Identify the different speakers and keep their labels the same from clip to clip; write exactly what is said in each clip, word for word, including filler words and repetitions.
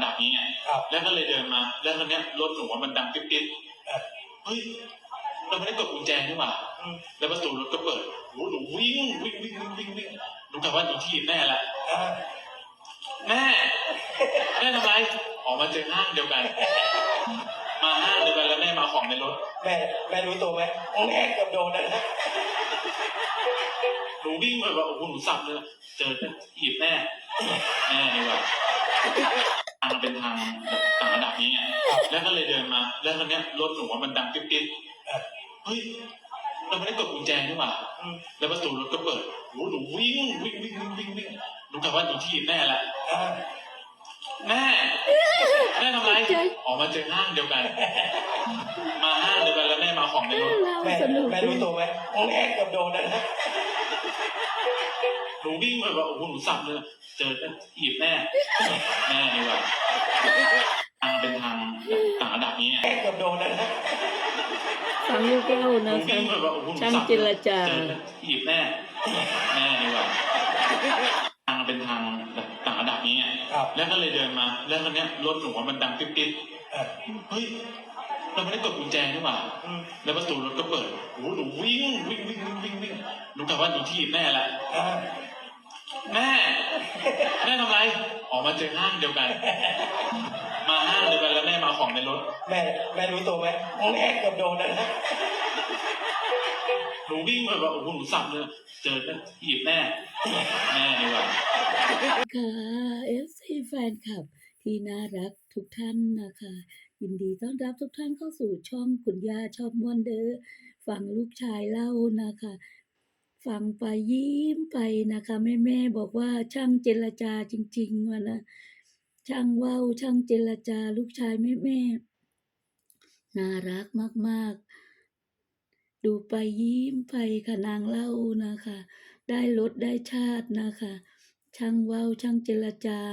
Speaker 1: ดับนี้ไงแล้วก็เลยเดินมาแล้วคราวนี้รถหนูมันดังปิ๊บปิ๊บเฮ้ยเราไม่ได้กดกุญแจนี่หว่าแล้วประตูรถก็เปิดโอ้หนูวิ่งวิ่งวิ่งวิ่งวิ่งวิ่งหนูกะว่าหนูถีบแม่ละแม่แม่ทำไรออกมาเจอห้างเดียวกันมาห้างเดียวกันแล้วแม่มาของในรถ
Speaker 2: แม่แม่รู้ตัวไหมแม่เกือบโดนนะ
Speaker 1: หนูวิ่งไปแบบโอ้โหหนูสับเลยเจอถีบแม่แม่นี่ว่าทางเป็นทางต่างระดับนี้ไงแล้วก็เลยเดินมาแล้วคราวนี้รถหนูมันดังปิ๊บปิ๊บเฮ้ยเราไม่ได้กดกุญแจนี่หว่าแล้วประตูรถก็เปิดโอ้หนูวิ่งวิ่งวิ่งวิ่งวิ่งวิ่งหนูกะว่าหนูถีบแม่ละแม่แม่ทำไรออกมาเจอห้างเดียวกันมาห้างเดียวกันแล้วแม่มาของในรถ
Speaker 2: แม่แม่รู้ตัวไหมแม่เกือบโดนนะ
Speaker 1: หนูวิ่งไปแบบโอ้โหหนูสับเลยเจอถีบแม่แม่นี่ว่าทางเป็นทางต่างระดับนี้ไง
Speaker 2: แม่เกือบโดนนะ
Speaker 3: ฟังลูกเล่านะคะช่างเจรจา
Speaker 1: ถีบแม่แม่นี่ว่าทางเป็นทางต่างระดับนี้ไงแล้วก็เลยเดินมาแล้วคราวนี้รถหนูมันดังปิ๊บปิ๊บเฮ้ยเราไม่ได้กดกุญแจนี่หว่าแล้วประตูรถก็เปิดโอ้หนูวิ่งวิ่งวิ่งวิ่งวิ่งวิ่งหนูกะว่าหนูถีบแม่ละแม่แม่ทำไรออกมาเจอห้างเดียวกันมาห้างเดียวกันแล้วแม่มาของในรถ
Speaker 2: แม่แม่รู้ตัวไหมแม่เกือบโดนนะ
Speaker 1: หนูวิ่งไปแบบโอ้โหหนูสับเลยเจอถีบแม่แม่นี่ว่า
Speaker 3: ค่ะเอฟซีแฟนคลับที่น่ารักทุกท่านนะคะยินดีต้อนรับทุกท่านเข้าสู่ช่องคุณย่าชอบม่วนเด้อฟังลูกชายเล่านะคะฟังไปยิ้มไปนะคะแม่แม่บอกว่าช่างเจรจาจริงๆวะนะช่างว่าวช่างเจรจาลูกชายแม่แม่น่ารักมากๆดูไปยิ้มไปค่ะนางเล่านะคะได้รสได้ชาตินะคะช่างว่าวช่างเจรจา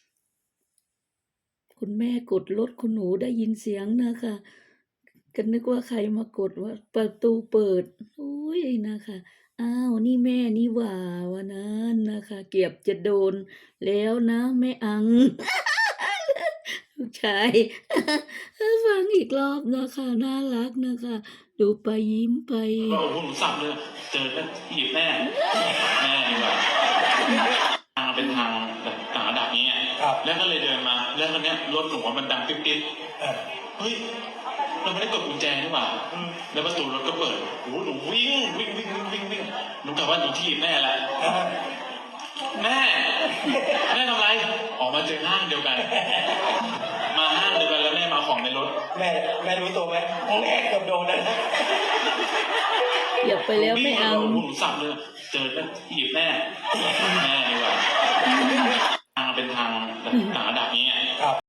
Speaker 3: คุณแม่กดรถคุณหนูได้ยินเสียงนะคะก็นึกว่าใครมากดว่าประตูเปิดอุ้ยนะคะอ้าวนี่แม่นี่หว่าวันนั้นนะคะเกือบจะโดนแล้วนะแม่อังลูกชายฟังอีกรอบนะคะน่ารักนะคะดูไปยิ้มไป
Speaker 1: โอ้โหหนูสับเลยเจอถีบแม่แม่นี่ว่าทางเป็นทางต่างระดับนี้ไงแล้วก็เลยเดินมาแล้วคราวนี้รถหนูมันดังปิ๊บปิ๊บเฮ้ยเราไม่ได้กดกุญแจนี่หว่าแล้วประตูรถก็เปิดโอ้หนูวิ่งวิ่งวิ่งวิ่งวิ่งวิ่งหนูกะว่าหนูถีบแม่ละแม่แม่ทำไรออกมาเจอห้างเดียวกันมาห้างเดียวกันแล้วแม่มาของในรถ
Speaker 2: แม่แม่รู้ตัวไหมแม่เกือบโดนนะ
Speaker 3: อย่าไปแล้วไม่เอา
Speaker 1: หนูสับเลยเจอถีบแม่แม่